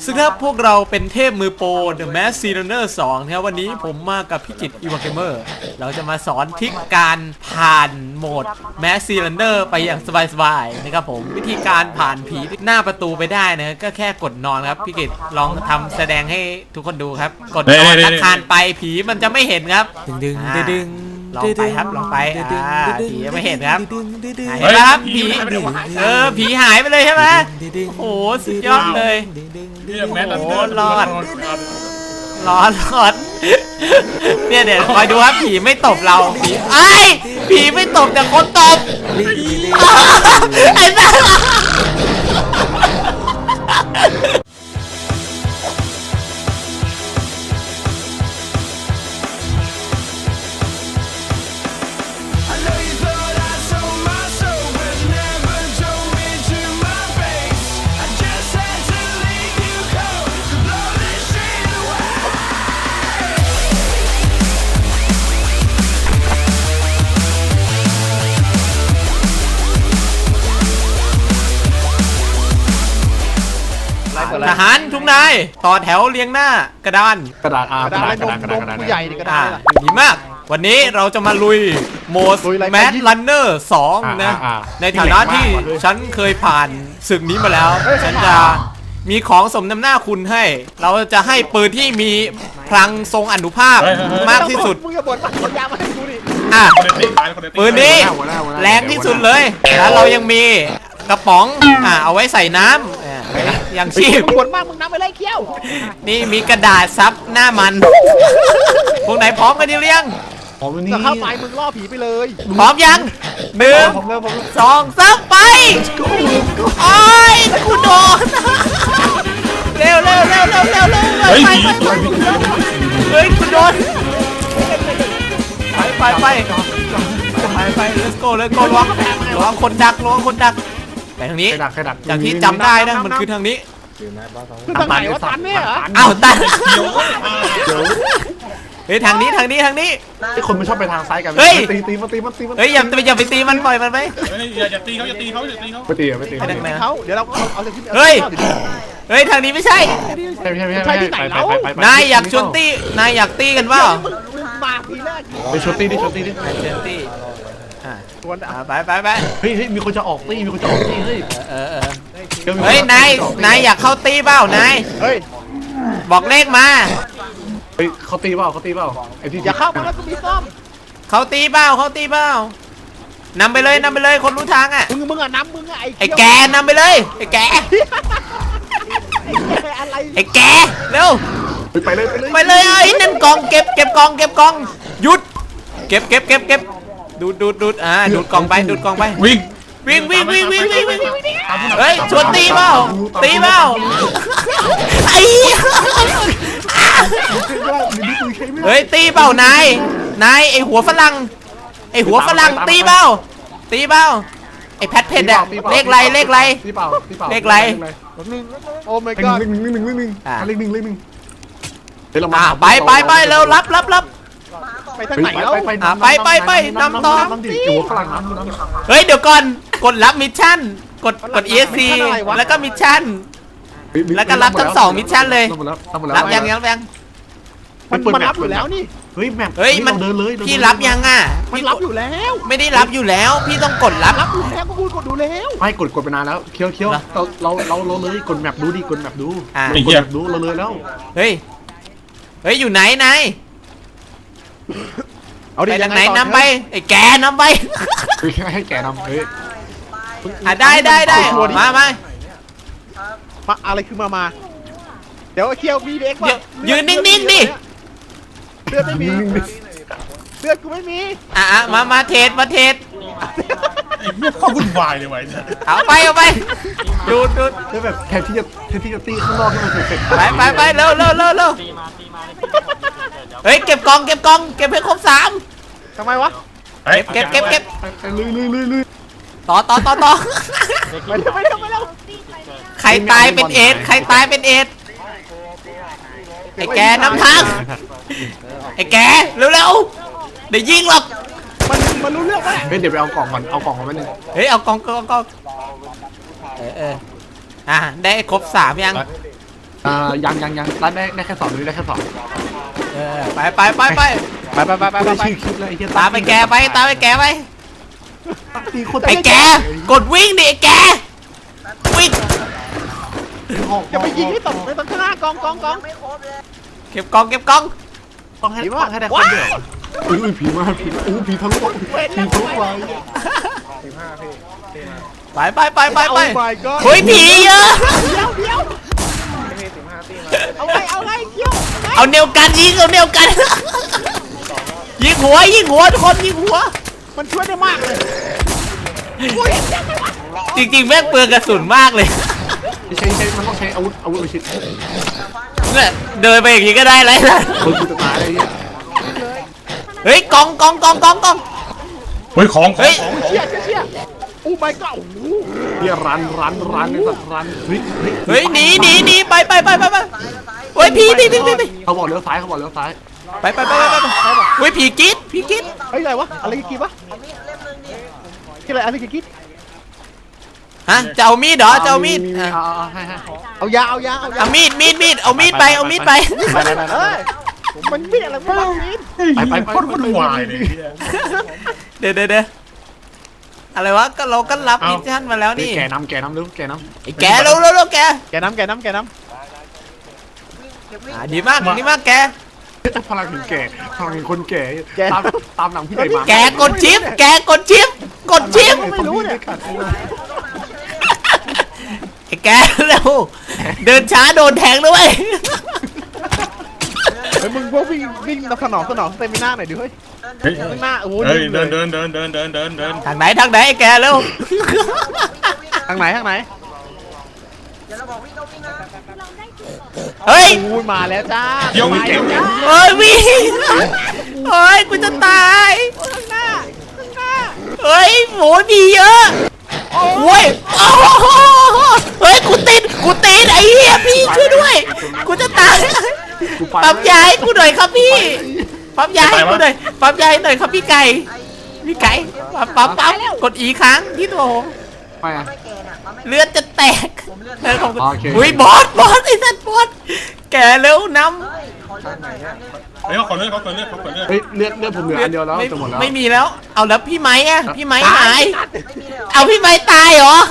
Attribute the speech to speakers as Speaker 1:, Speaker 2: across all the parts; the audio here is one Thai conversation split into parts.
Speaker 1: ซึ่งถ้าพวกเราเป็นเทพมือโปร The Mask Runner 2นะครับวันนี้ผมมากับพี่จิตอีวาเกมเมอร์เราจะมาสอนทริคการผ่านโหมด Mask Runner ไปอย่างสบายๆนะครับผมวิธีการผ่านผีหน้าประตูไปได้นะก็แค่กดนอนครับพี่กิตลองทำแสดงให้ทุกคนดูครับกดนอนแล้วคานไปผีมันจะไม่เห็นครับดึงลองไปครับลองไปผีไม่เห็นครับเห็นไหมครับผีผีหายไปเลยใช่ไหมโอ้โหสุดยอดเลยโอ้โหรอดเนี่ยเดี๋ยวคอยดูครับผีไม่ตบเราผีไม่ตบแต่คนตบไอ้บ้าทหารทุกนายต่อแถวเรียงหน้ากระดาน
Speaker 2: กระดาษผู้ใหญ่นี่กระดาษ
Speaker 1: ดีมากวันนี้เราจะมาลุยโหมด Mask Runner 2นะในฐานะที่ฉันเคยผ่านศึกนี้มาแล้วฉันจะมีของสมน้ำหน้าคุณให้เราจะให้ปืนที่มีพลังทรงอนุภาพมากที่สุดปืนนี้แรงที่สุดเลยแล้วเรายังมีกระป๋องเอาไว้ใส่น้ำอย่างชีพ
Speaker 3: ปวดมากมึงน้ำไปเลยเคี้ยว
Speaker 1: นี่มีกระดาษซับหน้ามันพวกไหนพร้อมกันดิเลี้ยง
Speaker 3: จะเข้าไปมึงล่อผีไปเลย
Speaker 1: พร้อมยัง1 2 3ไปโอ้ยกูโดนเร็วเฮ้ยกูโดนไป let's go ระวังคนดักไปทางนี้จากที่จำได้นะมันคือทางนี้
Speaker 3: คือทางไหนวะตันเนี่ยเหรอ
Speaker 1: อ้าวตันเฮ้ยทางนี้
Speaker 2: ไอ้คนมันชอบไปทางซ้ายกัน
Speaker 1: เฮ้ย
Speaker 2: ตีมัน
Speaker 1: เฮ้ยอย่าไปตีมันปล่อยมันไป
Speaker 2: อย่าตีเขาไปตี
Speaker 3: เขาเดี๋ยวเราเอาเลย
Speaker 1: เฮ้ยทางนี้ไม่ใช่
Speaker 3: ที่ไหนเรา
Speaker 1: นายอยากชวนตีนายอยากตีกันเปล่า
Speaker 3: มาทีแรก
Speaker 2: ไปชวนตี
Speaker 1: ไป
Speaker 2: เฮ้ยมีคนจะออกตีเ
Speaker 1: ฮ้ยนายอยากเข้าตีเปล่านาย
Speaker 3: เฮ้ย
Speaker 1: บอกเลขมา
Speaker 2: เฮ้ยเขาตีเปล่าไอ้ที่
Speaker 3: อย่าเข้ามาแล้วกูมีซ่อม
Speaker 1: เขาตีเปล่านำไปเลยคนรู้ทางอ่ะ
Speaker 3: มึงอ่ะน้ำมึงอ่ะ
Speaker 1: ไอ้แกนำไปเลยไอ้แกเร็ว
Speaker 2: ไปเลย
Speaker 1: ไอ้นั่นกองเก็บกองหยุดเก็บดูดดูดกองไป
Speaker 2: วิ่ง
Speaker 1: เฮ้ยชวนตีเปล่าไอ้เฮ้ยตีเปล่านายไอ้หัวฝรั่งตีเปล่าไอ้แพทเพนเนี่ยเลขไร
Speaker 2: ตีเปล่า
Speaker 3: โอ้ my god
Speaker 2: เลขหนึ่ง
Speaker 1: ไปเร็วรับ
Speaker 3: ไปทางไหนแล้ว
Speaker 1: ไปนำต่อ
Speaker 2: หัวฝรั่ง
Speaker 1: เฮ้ยเดี๋ยวก่อนกดรับมิชชั่นกด ESC แล้วก็มิชชั่นแล้วก็รับทั้ง2มิชชั่นเลยรับยัง
Speaker 3: มันรับอยู่แล้วนี่
Speaker 2: เฮ้ยมัน
Speaker 1: เดิน
Speaker 2: เลย
Speaker 1: พี่รับยัง
Speaker 3: มันรับอยู่แล้ว
Speaker 1: ไม่ได้รับอยู่แล้วพี่ต้องกดรับ
Speaker 3: อยู่แล้วก็พูดกดดูแล้ว
Speaker 2: ไม่กดไปนานแล้วเคี้ยวเราเลยกดแมปดูดิกดแมปดูเราเลยแล้ว
Speaker 1: เฮ้ยอยู่ไหน
Speaker 3: เอาดิ
Speaker 1: ไหนนำไปไอ้แกนำไป
Speaker 2: ให้แกนำเฮ้ย
Speaker 1: ได้มา
Speaker 3: อะไรคือมาเดี๋ยวเคียวมีเด็กป่ะ
Speaker 1: ยืนนิ่งดิ
Speaker 3: เลือดไม่มีเลือดกูไม่มี
Speaker 1: มาเทส
Speaker 2: เขาวุ่นวายเลยไว้
Speaker 1: เอาไปดูด
Speaker 2: แล้วแบบแทนที่จะตีข้างนอกให้มันเสร็จ
Speaker 1: ไปเร็วเฮ้ยเก็บกองเก็บให้ครบ3
Speaker 3: ทำไมวะ
Speaker 1: เก็บ
Speaker 2: ลุย
Speaker 1: ต่อ
Speaker 3: ไม่แล้ว
Speaker 1: ใครตายเป็นเอดไอ้แกนำทางไอ้แกเร็วเดี๋ยวยิงหรอก
Speaker 3: มันรู้เรื่องไหม
Speaker 2: เดี๋ยวไปเอากล่องก่อนมาหนึ่ง
Speaker 1: เฮ้ยเอากล่องได้ครบ3ยัง
Speaker 2: ยังได้แค่สองนี่ได้แค่สอง
Speaker 1: ไป
Speaker 3: ไป
Speaker 2: ชื่อคลิปเลยไอ้เหี้ย
Speaker 1: ตามไปแกไปตามไปแกไป
Speaker 2: ตีโคตร
Speaker 1: ไอ้แกกดวิ่งดิไอ้แกวิ่ง
Speaker 3: อย่าไปยิงให้ตกในต้นข้างหน้ากอง
Speaker 1: เก็บกองเก็บกอง
Speaker 2: ต้องให้ได้คนเดียวอุ้ยผีมาผีทะลุผีทะลุไป
Speaker 1: ไป
Speaker 3: โอ้ my god
Speaker 1: เฮ้ยผีเยอะ
Speaker 3: เอาไงเกี่ยว
Speaker 1: เอาเนวกันยิงเอาเนวกันยิงหัวทุกคนยิงหัว
Speaker 3: มันช่วยได้มากเลย
Speaker 1: จริงๆแม่งเปลืองกระสุนมากเลย
Speaker 2: ใช้มันต้องใช้อาวุธไปชิด
Speaker 1: เนี่ยเดินไปอย่างนี้ก็ได้เลยนะ
Speaker 2: คนกูจะตายอะไรเงี้ย
Speaker 1: เฮ้ยกอง
Speaker 4: เฮ้ยของ
Speaker 1: เฮ้ย
Speaker 3: เชี่ยโอ้ my god
Speaker 2: เฮียรันไอ้สัตว์รันเฮ้ย
Speaker 1: หนีไปเฮ้ยผี
Speaker 2: เขาบอกเลี้ยวซ้าย
Speaker 1: ไปเฮ้ยผีกิ๊ด
Speaker 3: เฮ้ยอะไรวะอะไรกี่วะกี่อะไรกี่
Speaker 1: ฮะจะเอามีดเหรอจะเอามีด
Speaker 2: ให้
Speaker 3: เอายา
Speaker 1: เอามีดเอามีดไป
Speaker 3: เฮ้ยมันมีอะไรบ้างมี
Speaker 2: ไป
Speaker 4: โคตรวุ่นวายเลย
Speaker 1: เดี๋ยวอะไรวะก็เราก็รับมิชชั่นมาแล้วนี่
Speaker 2: แกน้ำเร็วแกน้ำ
Speaker 1: ไอ้แกเร็วแก
Speaker 3: แกน้ำ
Speaker 1: ดีมากแก
Speaker 2: พลังถึงแก่พลังถึงคนแก่ตามหนังพี่ใหญ่มา
Speaker 1: แกกดชิป
Speaker 2: ไม่รู้เนี่ย
Speaker 1: ไอ้แกเร็วเดินช้าโดนแทงด้วย
Speaker 3: เฮ้ยมึงพวกวิ่งสนองสเตมิน่าหน่อยดิเฮ้ย
Speaker 4: เฮ้ย
Speaker 3: ข้างหน้าโอ้โห
Speaker 4: เฮ้ยเดิน
Speaker 1: ทางไหนไอ้แกเร็ว
Speaker 3: ทางไหน
Speaker 1: เฮ้ย
Speaker 3: โอ้ยมาแล้วจ้า
Speaker 4: เดี๋ยววิ่ง
Speaker 1: เฮ้ยวิ่งเฮ้ยกูจะตาย
Speaker 3: ข้างหน้า
Speaker 1: เฮ้ยหมูดีเยอะโอ้ยเฮ้ยกูติดไอ้เหี้ยพี่ช่วยด้วยกูจะตายปั๊มยายกูหน่อยครับพี่ปั๊มยายกูหน่อยครับพี่ไก่ปั๊มกดอีค้างที่ตัวผม
Speaker 2: ไปอ่ะ
Speaker 1: เลือดจะแตกของ
Speaker 2: โอเค
Speaker 1: อุ้ยบอสไอ้สัตว์บอสแกเร็วน้ำ
Speaker 4: เฮ้ยเขาขอเลือด
Speaker 2: เฮ้ยเลือดผมเหลืออันเดียวแล้วจะหมดแล้ว
Speaker 1: ไม่มีแล้วเอาแล้วพี่ไม้อะพี่ไม้หายเอาพี่ไม้ตายเหรอ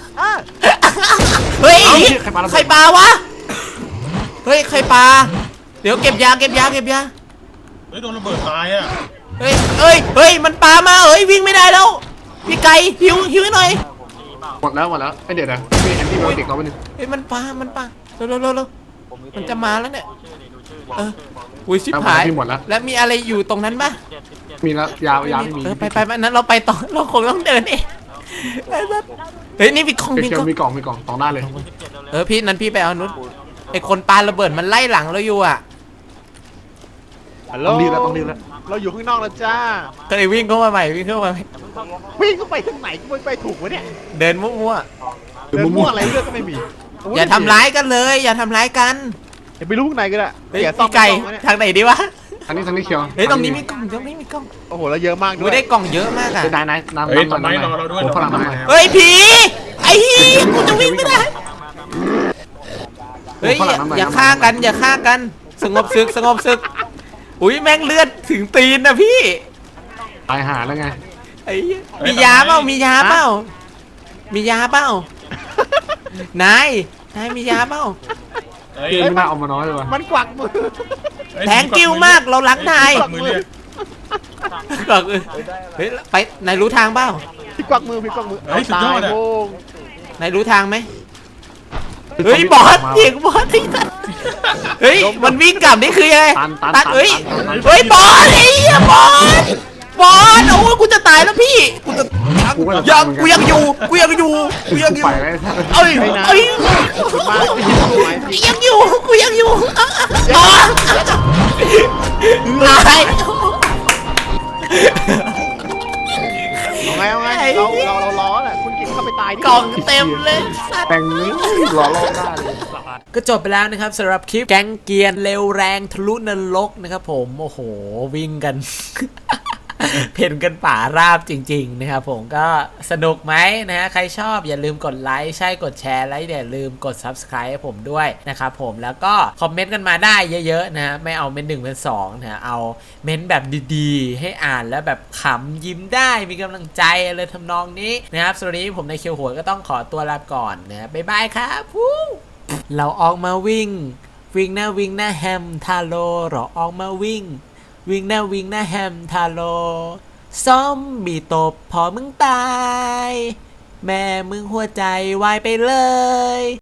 Speaker 1: เฮ้ยใครปลาวะเฮ้ยใครปลาเดี๋ยวเก็บยา
Speaker 4: เฮ้ยโดนระเบิดตายอ่ะ
Speaker 1: เฮ้ยมันปลามาวิ่งไม่ได้แล้วพี่ไก่หิวให้หน่อย
Speaker 2: หมดแล้วไอ้เดี๋ยวนะมีแอนตี้ไบโอติกเราไปหนึ่ง
Speaker 1: เฮ้ยมันปลาเร็วมันจะมาแล้วเนี่ยอุ้ยชิบหายแล้วมีอะไรอยู่ตรงนั้นปะ
Speaker 2: มีแล้วยาไม่มี
Speaker 1: ไปนั้นเราไปต่อเราคงต้องเดินเองเฮ้ยนี่มีกล่อง
Speaker 2: มีกล่องต่อหน้าเลย
Speaker 1: พี่นั้นพี่ไปเอานุชไอคนปาระเบิดมันไล่หลังเราอยู่อ่ะ
Speaker 3: ฮัลโหล
Speaker 2: ต้องรีบแล้ว
Speaker 3: เราอยู่ข้างนอกแล้วจ้า
Speaker 1: ก็เลยวิ่งเข้ามาใหม่วิ่งเข้าไป
Speaker 3: วิ่งเข้าไปทางไหนกูไปถูกวะเนี่ย
Speaker 1: เดินมั่ว
Speaker 3: เดินมั่วอะไรเลือดก็ไม่มี
Speaker 1: ๆอย่าทำร้ายกันเลยอย่าทำร้ายกัน
Speaker 3: อย่าไปรู้ข้างในก็ได้
Speaker 1: เฮ้ยพี่ไก่ทางไหนดีวะ
Speaker 2: อันนี้เขียว
Speaker 1: เฮ้ยตรงนี้มีกล่อง
Speaker 3: โอ้โหเราเยอะมากด้
Speaker 1: ดู
Speaker 3: วย
Speaker 1: ได้กล่องเยอะมากอ่ะ
Speaker 2: นายน้ำ
Speaker 4: เฮ้ยต้นไม้รอเราด้วย
Speaker 2: พลังน้ำ
Speaker 1: เฮ้ยผีไอ้ฮีกูจะวิ่งไม่ได้เฮ้ยอย่าฆ่ากันสงบศึกอุ้ยแม่งเลือดถึงตีนนะพี่
Speaker 2: ตายหาแล้วไง
Speaker 1: ไอ้มียาเปล่านายมียาเปล่า
Speaker 2: ไม่น่าเอามาน้อยเลยว่ะ
Speaker 3: มันกวักมือ
Speaker 1: แทงกิ้วมากเราล้างนาย
Speaker 4: มือเรียก
Speaker 1: เฮ้ยไปนายรู้ทางเปล่า
Speaker 3: พี่กวักมือตายโว้ง
Speaker 1: นายรู้ทางไหมเฮ้ยบอสที่นั่นเฮ้ยมันวิ่งกลับนี่คือยังไงตัดเฮ้ยบอสไอ้เหี้ยบอสโอ้ยกูจะตายแล้วพี่กูยังอยู่เอ้ยยังอยู่กูยังอยู่ตาย
Speaker 3: เอาไงเราล้อแหละคุณกินเข้าไปตายดิ
Speaker 1: กล่องเต็มเลย
Speaker 2: แต่งนี้หล่อได้เลย
Speaker 1: ก็จบไปแล้วนะครับสำหรับคลิปแก๊งเกียร์เร็วแรงทะลุนรกนะครับผมโอ้โหวิ่งกันเพ่นกันป่าราบจริงๆนะครับผมก็สนุกไหมนะฮะใครชอบอย่าลืมกดไลค์ใช่กดแชร์และอย่าลืมกด Subscribe ให้ผมด้วยนะครับผมแล้วก็คอมเมนต์กันมาได้เยอะๆนะฮะไม่เอาเม้น1 เป็น 2นะฮะเอาเม้นแบบดีๆให้อ่านแล้วแบบขำยิ้มได้มีกำลังใจอะไรทำนองนี้นะครับสวัสดีผมในเคียวหัวก็ต้องขอตัวลาก่อนนะบ๊ายบายครับเราออกมาวิ่งหน้าแฮมทาโร่เราออกมาวิ่งหน้าแฮมทาโร่ซอมบี้ตบพอมึงตายแม่มึงหัวใจวายไปเลย